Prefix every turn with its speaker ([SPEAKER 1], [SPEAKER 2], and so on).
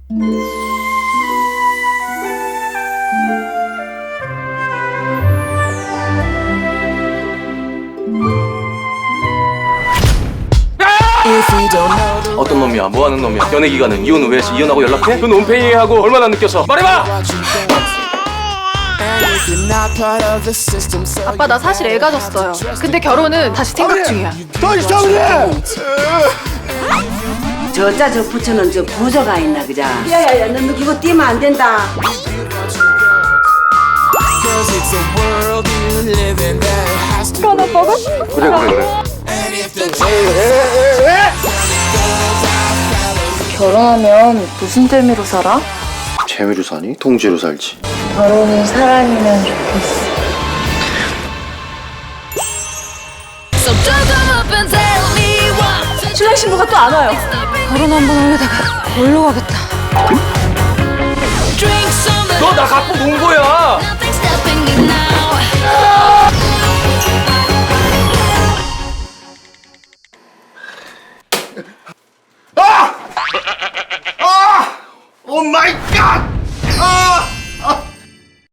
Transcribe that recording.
[SPEAKER 1] 어떤 놈이야? 뭐하는 놈이야? 연애 기간은 이혼 후 해서 이혼하고 연락해? 그 논팽이하고 얼마나 느껴서 말해봐!
[SPEAKER 2] 아빠 나 사실 애 가졌어요. 근데 결혼은 다시 생각 중이야.
[SPEAKER 3] 더 있어 그래.
[SPEAKER 4] 저자 저 부처는 저 부조가 있나 그자. 야야야 너 이거 뛰면 안 된다.
[SPEAKER 1] 그래.
[SPEAKER 2] 결혼하면 무슨 재미로 살아?
[SPEAKER 1] 재미로 사니? 통째로 살지.
[SPEAKER 2] 결혼이 사람이면 좋겠어. 신랑 신부가 또 안 와요. 결혼 한 번 하려다가 놀러 가겠다.
[SPEAKER 1] 너 나 갖고 논 거야!
[SPEAKER 3] 오 마이 갓!